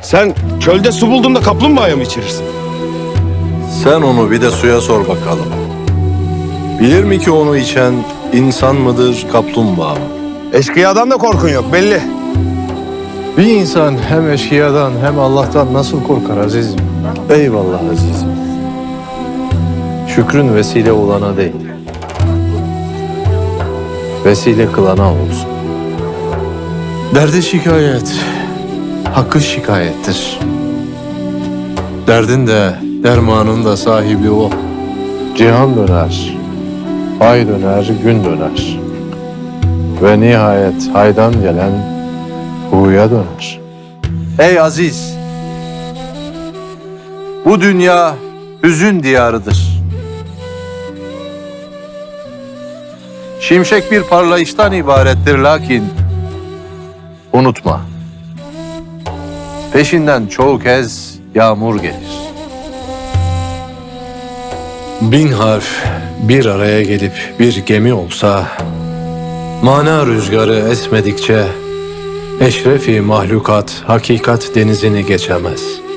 Sen çölde su buldun da kaplumbağaya mı içirirsin? Sen onu bir de suya sor bakalım. Bilir mi ki onu içen insan mıdır, kaplumbağa mı? Eşkıyadan da korkun yok belli. Bir insan hem eşkıyadan hem Allah'tan nasıl korkar azizim? Eyvallah azizim. Şükrün vesile olana değil, vesile kılana olsun. Derdi şikayet, hakkı şikayettir. Derdin de, dermanın da sahibi o. Cihan döner, ay döner, gün döner. Ve nihayet haydan gelen huya döner. Ey aziz! Bu dünya hüzün diyarıdır. Şimşek bir parlayıştan ibarettir lakin unutma. Peşinden çoğu kez yağmur gelir. Bin harf bir araya gelip bir gemi olsa, mana rüzgarı esmedikçe eşrefi mahlukat hakikat denizini geçemez.